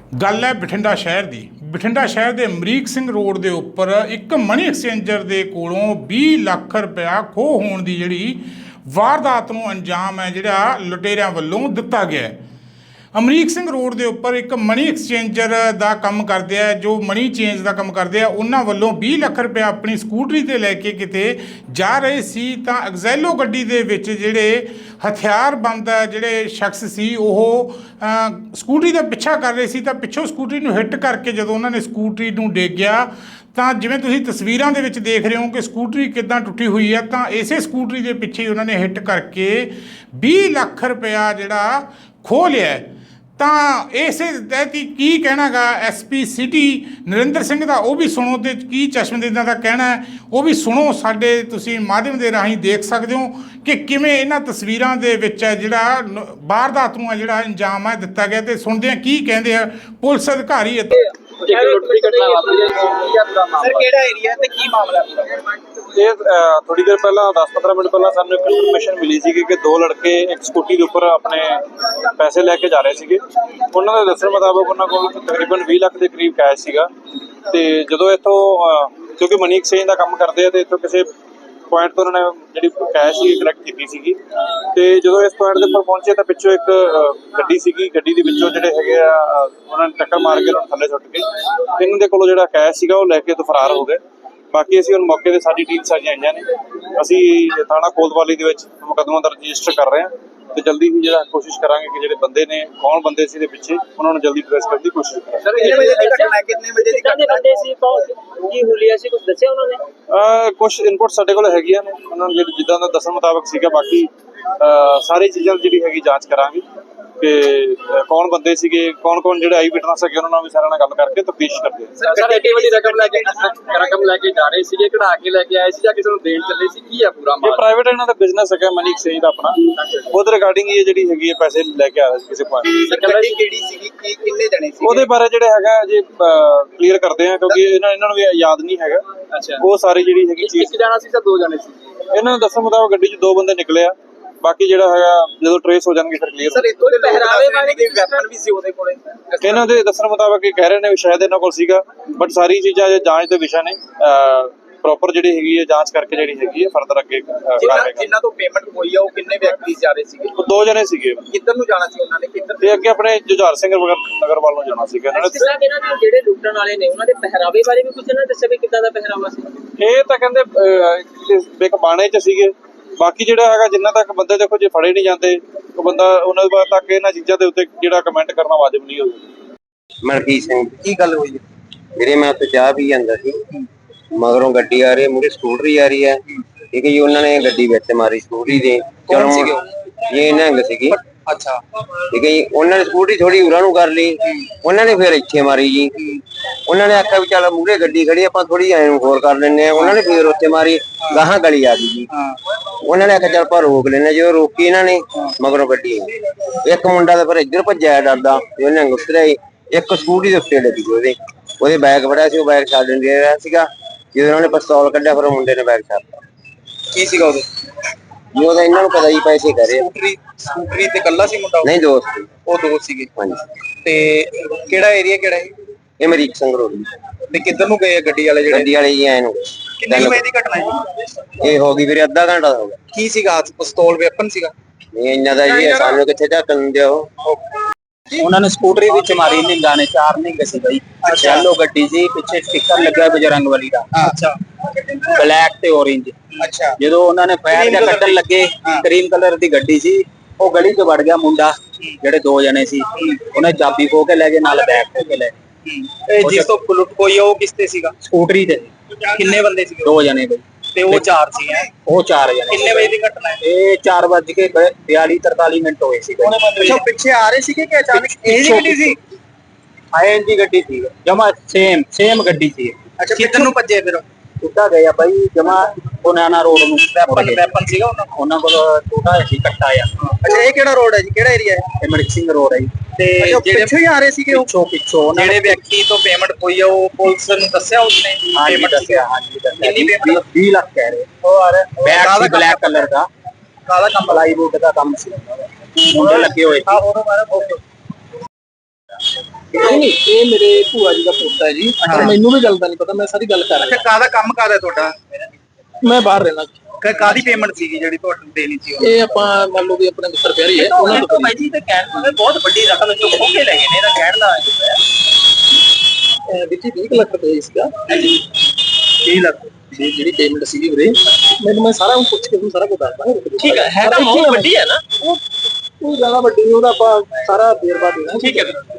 ਗੱਲ ਹੈ ਬਠਿੰਡਾ ਸ਼ਹਿਰ ਦੀ। ਬਠਿੰਡਾ ਸ਼ਹਿਰ ਦੇ ਅਮਰੀਕ ਸਿੰਘ ਰੋਡ ਦੇ ਉੱਪਰ ਇੱਕ ਮਨੀ ਐਕਸਚੇਂਜਰ ਦੇ ਕੋਲੋਂ 20 ਲੱਖ ਰੁਪਇਆ ਖੋਹ ਹੋਣ ਦੀ ਜਿਹੜੀ ਵਾਰਦਾਤ ਨੂੰ ਅੰਜਾਮ ਹੈ ਜਿਹੜਾ ਲੁਟੇਰਿਆਂ ਵੱਲੋਂ ਦਿੱਤਾ ਗਿਆ ਹੈ। ਅਮਰੀਕ ਸਿੰਘ ਰੋਡ ਦੇ ਉੱਪਰ ਇੱਕ ਮਨੀ ਐਕਸਚੇਂਜਰ ਦਾ ਕੰਮ ਕਰਦੇ ਆ, ਜੋ ਮਨੀ ਚੇਂਜ ਦਾ ਕੰਮ ਕਰਦੇ ਆ, ਉਹਨਾਂ ਵੱਲੋਂ 20 ਲੱਖ ਰੁਪਇਆ ਆਪਣੀ ਸਕੂਟਰੀ ਤੇ ਲੈ ਕੇ ਕਿਤੇ ਜਾ ਰਹੇ ਸੀ ਤਾਂ ਐਗਜ਼ੈਲੋ ਗੱਡੀ ਦੇ ਵਿੱਚ ਜਿਹੜੇ ਹਥਿਆਰਬੰਦ ਜਿਹੜੇ ਸ਼ਖਸ ਸੀ ਉਹ ਸਕੂਟਰੀ ਦਾ ਪਿੱਛਾ ਕਰ ਰਹੇ ਸੀ ਤਾਂ ਪਿੱਛੋਂ ਸਕੂਟਰੀ ਨੂੰ ਹਿੱਟ ਕਰਕੇ ਜਦੋਂ ਉਹਨਾਂ ਨੇ ਸਕੂਟਰੀ ਨੂੰ ਡੇਗਿਆ ਤਾਂ ਜਿਵੇਂ ਤੁਸੀਂ ਤਸਵੀਰਾਂ ਦੇ ਵਿੱਚ ਦੇਖ ਰਹੇ ਹੋ ਕਿ ਸਕੂਟਰੀ ਕਿੱਦਾਂ ਟੁੱਟੀ ਹੋਈ ਹੈ, ਤਾਂ ਇਸੇ ਸਕੂਟਰੀ ਦੇ ਪਿੱਛੇ ਉਹਨਾਂ ਨੇ ਹਿੱਟ ਕਰਕੇ 20 ਲੱਖ ਰੁਪਇਆ ਜਿਹੜਾ ਖੋਹ ਲਿਆ। ਤਾਂ ਇਸੇ ਤਹਿਤ ਕੀ ਕਹਿਣਾਗਾ ਐਸਪੀ ਸਿਟੀ ਨਰਿੰਦਰ ਸਿੰਘ ਦਾ, ਉਹ ਵੀ ਸੁਣੋ ਤੇ ਕੀ ਚਸ਼ਮਦੀਦਾਂ ਦਾ ਕਹਿਣਾ ਹੈ ਉਹ ਵੀ ਸੁਣੋ। ਸਾਡੇ ਤੁਸੀਂ ਮਾਧਿਅਮ ਦੇ ਰਾਹੀਂ ਦੇਖ ਸਕਦੇ ਹੋ ਕਿ ਕਿਵੇਂ ਇਹਨਾਂ ਤਸਵੀਰਾਂ ਦੇ ਵਿੱਚ ਹੈ ਜਿਹੜਾ ਵਾਰਦਾਤ ਨੂੰ ਹੈ ਜਿਹੜਾ ਅੰਜਾਮ ਹੈ ਦਿੱਤਾ ਗਿਆ, ਤੇ ਸੁਣਦੇ ਆ ਕੀ ਕਹਿੰਦੇ ਆ ਪੁਲਿਸ ਅਧਿਕਾਰੀ। ਸਰ ਕਿਹੜਾ ਏਰੀਆ ਤੇ ਕੀ ਮਾਮਲਾ ਇਹ ਥੋੜੀ ਦੇਰ ਪਹਿਲਾਂ 10-15 ਮਿੰਟ ਪਹਿਲਾਂ ਸਾਨੂੰ ਇੱਕ ਇਨਫੋਰਮੇਸ਼ਨ ਮਿਲੀ ਸੀ ਕਿ ਦੋ ਲੜਕੇ ਇੱਕ ਸਕੂਟੀ ਦੇ ਉੱਪਰ ਆਪਣੇ ਪੈਸੇ ਲੈ ਕੇ ਜਾ ਰਹੇ ਸੀਗੇ। ਉਹਨਾਂ ਦੇ ਦੱਸਣ ਮੁਤਾਬਕ ਉਹਨਾਂ ਕੋਲ ਤਕਰੀਬਨ 20 ਲੱਖ ਦੇ ਕਰੀਬ ਕੈਸ਼ ਸੀਗਾ। ਤੇ ਜਦੋਂ ਇੱਥੋਂ ਕਿਉਂਕਿ ਮਨੀ ਐਕਸਚੇਂਜ ਦਾ ਕੰਮ ਕਰਦੇ ਆ ਤੇ ਇੱਥੋਂ ਕਿਸੇ ਪੁਆਇੰਟ ਤੋਂ ਉਹਨਾਂ ਨੇ ਜਿਹੜੀ ਕੈਸ਼ ਸੀ ਕਲੈਕਟ ਕੀਤੀ ਸੀਗੀ। ਤੇ ਜਦੋਂ ਇਸ ਪੁਆਇੰਟ ਦੇ ਉੱਪਰ ਪਹੁੰਚੇ ਤਾਂ ਪਿੱਛੋਂ ਇੱਕ ਗੱਡੀ ਸੀਗੀ, ਗੱਡੀ ਦੇ ਵਿੱਚੋਂ ਜਿਹੜੇ ਹੈਗੇ ਆ ਉਹਨਾਂ ਨੇ ਟੱਕਰ ਮਾਰ ਕੇ ਉਹਨਾਂ ਨੂੰ ਥੱਲੇ ਸੁੱਟ ਕੇ ਇਹਨਾਂ ਦੇ ਕੋਲੋਂ ਜਿਹੜਾ ਕੈਸ਼ ਸੀਗਾ ਉਹ ਲੈ ਕੇ ਤੋਂ ਫਰਾਰ ਹੋ ਗਏ। ਬਾਕੀ ਅਸੀਂ ਹੁਣ ਮੌਕੇ ਤੇ ਸਾਡੀ ਟੀਮ ਸਾਰੀਆਂ ਆਈਆਂ ਨੇ, ਅਸੀਂ ਥਾਣਾ ਕੋਤਵਾਲੀ ਦੇ ਵਿੱਚ ਮੁਕੱਦਮਾ ਦਰਜ ਰਜਿਸਟਰ ਕਰ ਰਹੇ ਹਾਂ ਤੇ ਜਲਦੀ ਹੀ ਜਿਹੜਾ ਕੋਸ਼ਿਸ਼ ਕਰਾਂਗੇ ਕਿ ਜਿਹੜੇ ਬੰਦੇ ਨੇ ਕੌਣ ਬੰਦੇ ਸੀ ਦੇ ਪਿੱਛੇ ਉਹਨਾਂ ਨੂੰ ਜਲਦੀ ਟ੍ਰੇਸ ਕਰਨ ਦੀ ਕੋਸ਼ਿਸ਼ ਕਰਾਂਗੇ। ਸਰ ਕਿੰਨੇ ਵਜੇ ਦੀ ਘਟਨਾ, ਕਿੰਨੇ ਵਜੇ ਦੀ ਘਟਨਾ ਬੰਦੇ ਸੀ, ਕੀ ਹੁਲੀਆ ਸੀ, ਕੁਝ ਦੱਸਿਆ ਉਹਨਾਂ ਨੇ? ਕੁਝ ਇਨਪੁਟ ਸਾਡੇ ਕੋਲ ਹੈਗੀਆਂ ਨੇ, ਉਹਨਾਂ ਨੂੰ ਜਿੱਦਾਂ ਦਾ ਦੱਸਣ ਮੁਤਾਬਕ ਸੀਗਾ। ਬਾਕੀ ਸਾਰੀ ਚੀਜ਼ਾਂ ਜਿਹੜੀ ਹੈਗੀ ਜਾਂਚ ਕਰਾਂਗੇ ਕਿ ਕੌਣ ਬੰਦੇ ਸੀਗੇ, ਕੌਣ ਜਿਹੜੇ ਆਈ ਵਿਟਨੈਸ ਹੈਗੇ ਉਹਨਾਂ ਨਾਲ ਵੀ ਸਾਰਿਆਂ ਨਾਲ ਗੱਲ ਕਰਕੇ ਤਫਤੀਸ਼ ਕਰਦੇ ਹਾਂ। ਸਰ ਐਡੀ ਵੱਡੀ ਰਕਮ ਲੈ ਕੇ ਜਾ ਰਹੇ ਸੀਗੇ, ਕਢਾ ਕੇ ਲੈ ਕੇ ਆਏ ਸੀ ਜਾਂ ਕਿਸੇ ਨੂੰ ਦੇਣ ਚੱਲੇ ਸੀ, ਕੀ ਆ ਪੂਰਾ ਮਾਮਲਾ? ਇਹ ਪ੍ਰਾਈਵੇਟ ਇਹਨਾਂ ਦਾ ਬਿਜ਼ਨਸ ਹੈਗਾ ਮਨੀ ਐਕਸਚੇਂਜ ਦਾ ਆਪਣਾ, ਉਹਦੇ ਰਿਗਾਰਡਿੰਗ ਇਹ ਜਿਹੜੀ ਹੈਗੀ ਹੈ ਪੈਸੇ ਲੈ ਕੇ ਆ ਰਹੇ ਸੀ ਕਿਸੇ ਪੁਆਇੰਟ। ਸਰ ਗੱਡੀ ਕਿਹੜੀ ਸੀਗੀ, ਕਿੰਨੇ ਜਣੇ ਸੀ? ਉਹਦੇ ਬਾਰੇ ਜਿਹੜਾ ਹੈਗਾ ਜੇ ਕਲੀਅਰ ਕਰਦੇ ਆ ਕਿਉਂਕਿ ਇਹਨਾਂ ਨੂੰ ਵੀ ਯਾਦ ਨਹੀਂ ਹੈਗਾ। ਅੱਛਾ, ਉਹ ਸਾਰੀ ਜਿਹੜੀ ਹੈਗੀ ਚੀਜ਼ ਇੱਕ ਜਣਾ ਸੀ ਜਾਂ ਦੋ ਜਣੇ ਸੀ? ਇਹਨਾਂ ਨੂੰ ਦੱਸਣ ਮੁਤਾਬਕ ਗੱਡੀ 'ਚ ਦੋ ਬੰਦੇ ਨਿਕਲੇ ਆ। ਬਾਕੀ ਜਿਹੜਾ ਹੈਗਾ ਜਦੋਂ ਟ੍ਰੇਸ ਹੋ ਜਾਣਗੇ ਫਿਰ ਕਲੀਅਰ। ਸਰ ਇਤੋਂ ਦੇ ਪਹਿਰਾਵੇ ਵਾਲੇ ਵੀ ਵੈਪਨ ਵੀ ਸੀ ਉਹਦੇ ਕੋਲੇ? ਇਹਨਾਂ ਦੇ ਦੱਸਣ ਮੁਤਾਬਕ ਇਹ ਕਹਿ ਰਹੇ ਨੇ ਸ਼ਾਇਦ ਇਹਨਾਂ ਕੋਲ ਸੀਗਾ, ਬਟ ਸਾਰੀ ਚੀਜ਼ਾਂ ਜਾਂਚ ਦੇ ਵਿਸ਼ਾ ਨੇ। ਪ੍ਰੋਪਰ ਜਿਹੜੀ ਹੈਗੀ ਹੈ ਜਾਂਚ ਕਰਕੇ ਜਿਹੜੀ ਹੈਗੀ ਹੈ ਫਰਦਰ ਅੱਗੇ ਜਿਨ੍ਹਾਂ ਤੋਂ ਪੇਮੈਂਟ ਹੋਈ ਆ ਉਹ ਕਿੰਨੇ ਵਿਅਕਤੀ ਜਾ ਰਹੇ ਸੀਗੇ? ਉਹ ਦੋ ਜਣੇ ਸੀਗੇ। ਕਿੱਧਰ ਨੂੰ ਜਾਣਾ ਸੀ ਉਹਨਾਂ ਨੇ, ਕਿੱਧਰ? ਤੇ ਅੱਗੇ ਆਪਣੇ ਜੁਝਾਰ ਸਿੰਘ ਨਗਰ ਵੱਲ ਨੂੰ ਜਾਣਾ ਸੀਗਾ ਇਹਨਾਂ ਨੇ। ਇਹਨਾਂ ਦੇ ਜਿਹੜੇ ਲੁੱਟਣ ਵਾਲੇ ਨੇ ਉਹਨਾਂ ਦੇ ਪਹਿਰਾਵੇ ਬਾਰੇ ਵੀ ਕੁਝ ਇਹਨਾਂ ਦੱਸਿਆ ਵੀ ਕਿੱਦਾਂ ਦਾ ਪਹਿਰਾਵਾ ਸੀ? ਇਹ ਤਾਂ ਕਹਿੰਦੇ ਇੱਕ ਬਾਣੇ 'ਚ ਸੀਗੇ। ਬਾਕੀ ਜਿਹੜਾ ਹੈਗਾ ਜਿੰਨਾ ਤੱਕ ਬੰਦੇ ਦੇਖੋ ਜੇ ਫੜੇ ਨਹੀਂ ਜਾਂਦੇ ਉਹ ਬੰਦਾ ਉਹਨਾਂ ਦੇ ਬਾਅਦ ਤੱਕ ਇਹਨਾਂ ਚੀਜ਼ਾਂ ਦੇ ਉੱਤੇ ਜਿਹੜਾ ਕਮੈਂਟ ਕਰਨਾ ਵਾਜਬ ਨਹੀਂ ਹੋਊਗਾ। ਮਲਕੀਤ ਸਿੰਘ, ਕੀ ਗੱਲ ਹੋਈ ਹੈ? ਵੀਰੇ ਮੈਂ ਉੱਥੇ ਚਾਹ ਪੀ ਜਾਂਦਾ ਸੀ, ਮਗਰੋਂ ਗੱਡੀ ਆ ਰਹੀ ਹੈ, ਮੂਹਰੇ ਸਕੂਟਰੀ ਆ ਰਹੀ ਹੈ। ਠੀਕ ਹੈ ਜੀ, ਉਹਨਾਂ ਨੇ ਗੱਡੀ ਵਿੱਚ ਮਾਰੀ ਸਕੂਟਰੀ ਦੇ। ਕੌਣ ਸੀਗੇ ਉਹ? ਇਹ ਨਿਹੰਗ ਸੀਗੀ। ਅੱਛਾ, ਠੀਕ ਹੈ ਜੀ, ਉਹਨਾਂ ਨੇ ਸਕੂਟਰੀ ਥੋੜੀ ਉਰਾਂ ਨੂੰ ਕਰ ਲਈ, ਉਹਨਾਂ ਨੇ ਫਿਰ ਇੱਥੇ ਮਾਰੀ ਜੀ। ਉਹਨਾਂ ਨੇ ਆਖਿਆ ਵੀ ਚੱਲ ਮੂਹਰੇ ਗੱਡੀ ਖੜੀ ਆਪਾਂ ਥੋੜੀ ਐਂ ਨੂੰ ਹੋਰ ਕਰ ਲੈਂਦੇ ਆ। ਉਹਨਾਂ ਨੇ ਫਿਰ ਉੱਥੇ ਮਾਰੀ, ਗਾਹਾਂ ਗਲੀ ਆ ਗਈ ਜੀ। ਉਹਨਾਂ ਨੇ ਆਖਿਆ ਚੱਲ ਆਪਾਂ ਰੋਕ ਲੈਂਦੇ, ਜਦੋਂ ਰੋਕੀ ਇਹਨਾਂ ਨੇ ਮਗਰੋਂ ਗੱਡੀ ਇੱਕ ਮੁੰਡਾ ਤਾਂ ਫਿਰ ਇੱਧਰ ਭੱਜਿਆ ਡਰਦਾ, ਉਹਨੇ ਉਤਰਿਆ ਇੱਕ ਸਕੂਟਰੀ ਦੇ ਉੱਤੇ ਲੱਗੀ ਉਹਦੇ ਬੈਗ ਫੜਿਆ ਸੀ, ਉਹ ਬੈਗ ਛੱਡ ਦੇ ਰਿਹਾ ਸੀਗਾ। ਜਦੋਂ ਉਹਨਾਂ ਨੇ ਪਿਸਤੌਲ ਕੱਢਿਆ ਫਿਰ ਉਹ ਮੁੰਡੇ ਨੇ ਬੈਗ ਛੱਡਤਾ। ਕੀ ਸੀਗਾ ਉਹਦੇ? ਜੀ ਉਹਦਾ ਇਹਨਾਂ ਨੂੰ ਪਤਾ ਜੀ ਪੈਸੇ ਕਰੇ। ਸਕੂਟਰੀ ਤੇ ਕੱਲਾ ਸੀ ਮੁੰਡਾ? ਨਹੀਂ, ਦੋਸਤ। ਉਹ ਦੋਸਤ ਸੀਗੇ। ਹਾਂਜੀ। ਤੇ ਕਿਹੜਾ ਏਰੀਆ ਕਿਹੜਾ ਹੈ ਇਹ ਅਮਰੀਕ ਸਿੰਘ ਰੋਡ ਤੇ ਕਿੱਧਰ ਨੂੰ ਗਏ ਗੱਡੀ ਵਾਲੇ ਜਿਹੜੇ? ਗੱਡੀ ਵਾਲੇ ਜੀ ਐ ਨੂੰ। ਕਿੰਨੇ ਵਜੇ ਦੀ ਘਟਨਾ ਹੈ? ਇਹ ਹੋ ਗਈ ਵੀਰੇ ਅੱਧਾ ਘੰਟਾ ਹੋ ਗਿਆ। ਕੀ ਸੀਗਾ? ਪਿਸਤੌਲ ਵੈਪਨ ਸੀਗਾ? ਨਹੀਂ ਇੰਨਾ ਦਾ ਜੀ ਸਾਨੂੰ ਕਿੱਥੇ ਢੱਕਣ ਦਿਓ। ਉਹਨਾਂ ਨੇ ਸਕੂਟਰੀ ਵਿੱਚ ਮਾਰੀ ਨਿੰਗਾ ਨੇ, ਚਾਰ ਨਿੰਗ ਸੀ ਬਈ। ਯੈਲੋ ਗੱਡੀ ਸੀ, ਪਿੱਛੇ ਸਟicker ਲੱਗਾ ਬਜਰੰਗ ਵਾਲੀ ਦਾ। ਅੱਛਾ, ਬਲੈਕ ਤੇ orange। ਅੱਛਾ। ਜਦੋਂ ਉਹਨਾਂ ਨੇ ਫਾਇਰ ਜਾਂ ਕੱਢਣ ਲੱਗੇ, ਕਰੀਮ ਕਲਰ ਦੀ ਗੱਡੀ ਸੀ, ਉਹ ਗਲੀ 'ਚ ਵੜ ਗਿਆ ਮੁੰਡਾ। ਜਿਹੜੇ ਦੋ ਜਣੇ ਸੀ ਉਹਨੇ ਚਾਬੀ ਖੋ ਕੇ ਲੈ ਗਏ, ਨਾਲ ਬੈਗ ਖੋ ਕੇ ਲੈ ਗਏ। ਇਹ ਜਿਸ ਤੋਂ ਲੁੱਟ ਹੋਈ ਉਹ ਕਿਸ ਤੇ ਸੀਗਾ? ਸਕੂਟਰੀ ਤੇ ਕਿੰਨੇ ਬੰਦੇ ਸੀਗੇ? ਦੋ ਜਣੇ ਬਈ। ਤੇ ਉਹ ਚਾਰ ਸੀ? ਉਹ ਚਾਰ ਜਣੇ। ਕਿੰਨੇ ਵਜੇ ਦੀ ਘਟਨਾ ਹੈ? ਇਹ 4:42-43 ਮਿੰਟ ਹੋਏ ਸੀ। ਅੱਛਾ, ਪਿੱਛੇ ਆ ਰਹੇ ਸੀਗੇ ਕਿ ਅਚਾਨਕ ਇਹ ਗੱਡੀ ਸੀ? ਆਏ ਦੀ ਗੱਡੀ ਸੀ, ਜਮਾ ਸੇਮ ਗੱਡੀ ਸੀ। ਅੱਛਾ, ਕਿੱਧਰ ਨੂੰ ਭੱਜੇ ਫਿਰ? ਉੱਦਾਂ ਗਏ ਬਾਈ ਜਮਾ ਬਨਾਨਾ ਰੋਡ ਨੂੰ। ਵੈਪਨ ਸੀਗਾ ਉਹਨਾਂ ਕੋਲ ਛੋਟਾ ਸੀ ਕੱਟਾ ਆ। ਅੱਛਾ, ਇਹ ਕਿਹੜਾ ਰੋਡ ਹੈ ਜੀ, ਕਿਹੜਾ ਏਰੀਆ ਹੈ? ਇਹ ਮਲਿਕ ਸਿੰਘ ਰੋਡ ਹੈ ਜੀ। ਤੇ ਜਿਹੜੇ ਪਿੱਛੇ ਹੀ ਆ ਰਹੇ ਸੀਗੇ ਉਹ? ਪਿੱਛੋਂ ਜਿਹੜੇ ਵਿਅਕਤੀ ਤੋਂ ਪੇਮੈਂਟ ਹੋਈ ਆ ਉਹ ਪੁਲਿਸ ਨੂੰ ਦੱਸਿਆ ਉਸਨੇ? ਪੇਮੈਂਟ ਦੱਸਿਆ। ਹਾਂਜੀ, ਕਿੰਨੀ ਪੇਮੈਂਟ? 20 ਲੱਖ ਕਹਿ ਰਹੇ। ਉਹ ਆ ਰਿਹਾ ਬੈਗ ਸੀ ਬਲੈਕ ਕਲਰ ਦਾ, ਕਾਲਾ ਕੰਮ ਪਲਾਈਵੁੱਡ ਦਾ ਕੰਮ ਸੀ, ਮੁੰਡੇ ਲੱਗੇ ਹੋਏ ਸੀ। ਉਹਨੂੰ ਮਾਰਾ ਨਹੀਂ ਇਹ ਮੇਰੇ ਭੂਆ ਜੀ ਦਾ ਪੋਤਾ ਹੈ ਜੀ ਪਰ ਮੈਨੂੰ ਵੀ ਗੱਲ ਦਾ ਨਹੀਂ ਪਤਾ ਮੈਂ ਸਾਰੀ ਗੱਲ ਕਰ ਰਿਹਾ ਕਾਹਦਾ ਕੰਮ ਕਾਹਦਾ ਤੁਹਾਡਾ ਮੈਂ ਬਾਹਰ ਰਹਿਣਾ ਕਾਹਦੀ ਪੇਮੈਂਟ ਸੀਗੀ ਜਿਹੜੀ ਤੁਹਾਨੂੰ ਦੇਣੀ ਸੀ ਇਹ ਆਪਾਂ ਮੰਨ ਲਓ ਵੀ ਆਪਣੇ ਮਿੱਤਰ ਪਿਆਰੀ ਹੈ ਉਹਨਾਂ ਤੋਂ ਭਾਈ ਜੀ ਤੇ ਕਹਿਣ ਦਾ ਬਹੁਤ ਵੱਡੀ ਰਕਮ ਜੋ ਖੋ ਕੇ ਲੈ ਗਏ ਨੇ ਇਹਦਾ ਕਹਿਣ ਦਾ ਵਿੱਚ 20 ਲੱਖ ਰੁਪਏ ਸੀਗਾ 30 ਲੱਖ ਦੀ ਜਿਹੜੀ ਪੇਮੈਂਟ ਸੀਗੀ ਵੀਰੇ ਮੈਨੂੰ ਮੈਂ ਸਾਰਾ ਪੁੱਛ ਕੇ ਤੁਹਾਨੂੰ ਸਾਰਾ ਕੁਝ ਦੱਸਦਾ ਠੀਕ ਹੈ ਤਾਂ ਬਹੁਤ ਵੱਡੀ ਹੈ ਨਾ ਉਹ ਜ਼ਿਆਦਾ ਵੱਡੀ ਨਹੀਂ ਉਹਦਾ ਆਪਾਂ ਸਾਰਾ ਦੇਰ ਬਾਅਦ ਦੇਣਾ ਠੀਕ ਹੈ